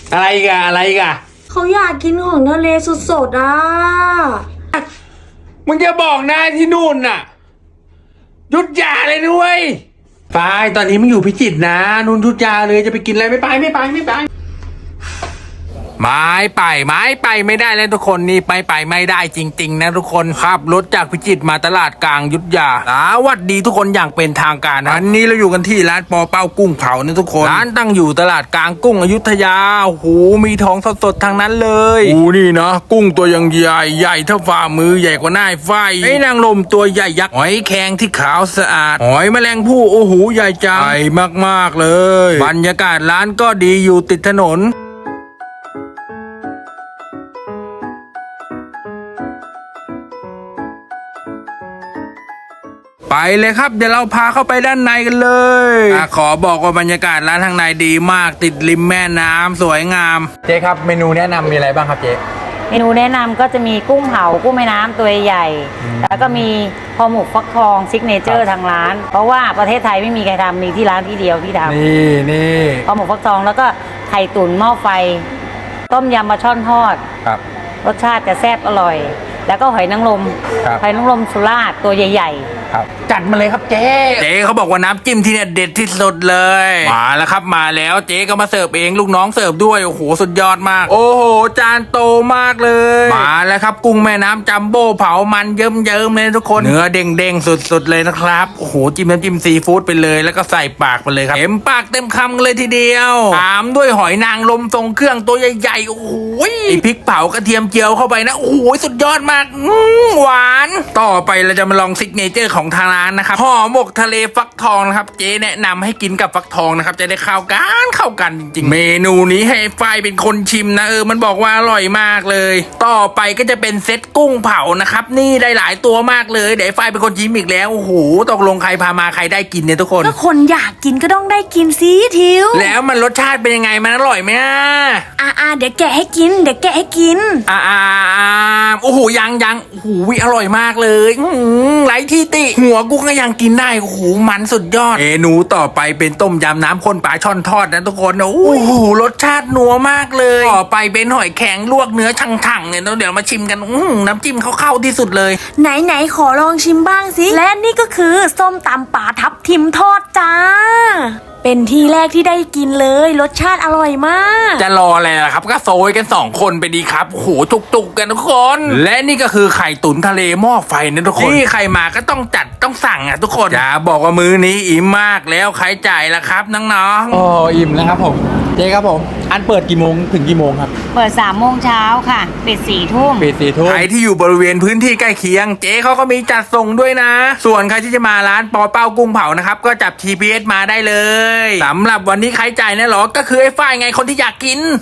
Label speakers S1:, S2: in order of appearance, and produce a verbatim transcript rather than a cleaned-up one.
S1: อะไรกันอะไรกัน
S2: เขาอยากกินของทะเลสดๆอ่ะ
S1: มึงจะบอกนายที่นู่นน่ะหยุดยาเลยด้วยไปตอนนี้มึงอยู่พิจิตรนะนุ่นหยุดยาเลยจะไปกินอะไรไม่ไปไม่ไปไม่ไปไม้ไปไม้ไปไม่ได้แล้วทุกคนนี่ไปไปไม่ได้จริงๆนะทุกคนขับรถจากพิจิตรมาตลาดกลางยุทธยาสวัสดีทุกคนอย่างเป็นทางการนะวันนี้เราอยู่กันที่ร้านปอเป้ากุ้งเผานะทุกคนร้านตั้งอยู่ตลาดกลางกุ้งอยุธยาโอ้โหมีท้องสดๆทางนั้นเลยโอ้นี่นะกุ้งตัวยังใหญ่ใหญ่เท่าฝ่ามือใหญ่กว่าหน้าไฟไอ้นางลมตัวใหญ่ยักษ์หอยแครงที่ขาวสะอาดหอยแมลงภู่โอ้โหใหญ่จังใหญ่มากๆเลยบรรยากาศร้านก็ดีอยู่ติดถนนไปเลยครับเดี๋ยวเราพาเข้าไปด้านในกันเลยอขอบอกว่าบรรยากาศร้านข้างในดีมากติดริมแม่น้ำสวยงามเจ๊ครับเมนูแนะนำมีอะไรบ้างครับเจ๊
S3: เมนูแนะนำก็จะมีกุ้งเผากุ้งแม่น้ำตัวใหญ่แล้วก็มีห่อหมกฟักทองซิกเนเจอร์ทางร้านเพราะว่าประเทศไทยไม่มีใครทำมีที่ร้านที่เดียวที่ทำ
S1: นี่นี่
S3: ห่อหมกฟักทองแล้วก็ไข่ตุ๋นหม้อไฟต้มยำปลาช่อนทอด
S1: ครับ
S3: รสชาติจะแซ่บอร่อยแล้วก็หอยนางรมหอยนางรมสุราษฎร์ตัวใหญ่
S1: ๆครับจัดมาเลยครับเจ๊เจ๊เขาบอกว่าน้ำจิ้มที่เนี่ยเด็ดที่สุดเลยมาแล้วครับมาแล้วเจ๊ก็มาเสิร์ฟเองลูกน้องเสิร์ฟด้วยโอ้โหสุดยอดมากโอ้โหจานโตมากเลยมาแล้วครับกุ้งแม่น้ำจัมโบ้เผามันเยิ้มเยิ้มเลยทุกคนเนื้อเด้งเด้งสุดๆเลยนะครับโอ้โหจิ้มน้ำจิ้มซีฟู้ดไปเลยแล้วก็ใส่ปากไปเลยครับเต็มปากเต็มคำเลยทีเดียวตามด้วยหอยนางรมทรงเครื่องตัวใหญ่ๆโอ้โหไอพริกเผากระเทียมเจียวเข้าไปนะโอ้โหสุดยอดมากหวานต่อไปเราจะมาลองซิกเนเจอร์ของทางร้านนะครับห่อหมกทะเลฟักทองนะครับเจ๊แนะนำให้กินกับฟักทองนะครับจะได้เข้ากันเข้ากันจริงๆเมนูนี้ให้ฝ้ายเป็นคนชิมนะเออมันบอกว่าอร่อยมากเลยต่อไปก็จะเป็นเซตกุ้งเผานะครับนี่ได้หลายตัวมากเลยเดี๋ยวฝ้ายเป็นคนชิมอีกแล้วโอ้โหตกลงใครพามาใครได้กินเนี่ยทุกคน
S2: ก็คนอยากกินก็ต้องได้กินสิทิว
S1: แล้วมันรสชาติเป็นยังไงมันอร่อยไหมอ่ะ
S2: อ่าอ่าเดี๋ยวแกะให้กินเดี๋ยวแกะให้กิน
S1: อ่าอ่าโอ้โหยังยังโอ้โหอร่อยมากเลยไร้ที่ติหัวกุ้งก็ยังกินได้โอ้โหมันสุดยอดเมนูต่อไปเป็นต้มยำน้ำข้นปลาช่อนทอดนะทุกคนโอ้โหรสชาตินัวมากเลยต่อไปเป็นหอยแข็งลวกเนื้อช่างๆเนี่ยเดี๋ยวมาชิมกันน้ำจิ้มเขาเข้าที่สุดเลย
S2: ไหนไหนขอลองชิมบ้างสิและนี่ก็คือส้มตำป่าทับทิมทอดจ้าเป็นที่แรกที่ได้กินเลยรสชาติอร่อยมาก
S1: จะรออะไรล่ะครับก็โซยกันสองคนไปดีครับโอ้โหจุกๆกันทุกคนและนี่ก็คือไข่ตุ๋นทะเลหม้อไฟนะทุกคนที่ใครมาก็ต้องจัดต้องสั่งอ่ะทุกคนอย่าบอกว่ามื้อนี้อิ่มมากแล้วใครจ่ายล่ะครับน้อง
S4: ๆอ๋ออิ่มแล้วครับผมเจ๊ครับผมอันเปิดกี่โมงถึงกี่โมงครับ
S3: เปิดสามโมงเช้าค่ะปิดสี่ทุ่ม
S4: ปิดสี่ทุ่ม
S1: ใครที่อยู่บริเวณพื้นที่ใกล้เคียงเจ๊เขาก็มีจัดส่งด้วยนะส่วนใครที่จะมาร้านปอเป้ากุ้งเผานะครับก็จับ จี พี เอส มาได้เลยสำหรับวันนี้ใครจ่ายเนี่ยหรอก็คือไอ้ฝ้ายไงคนที่อยากกิน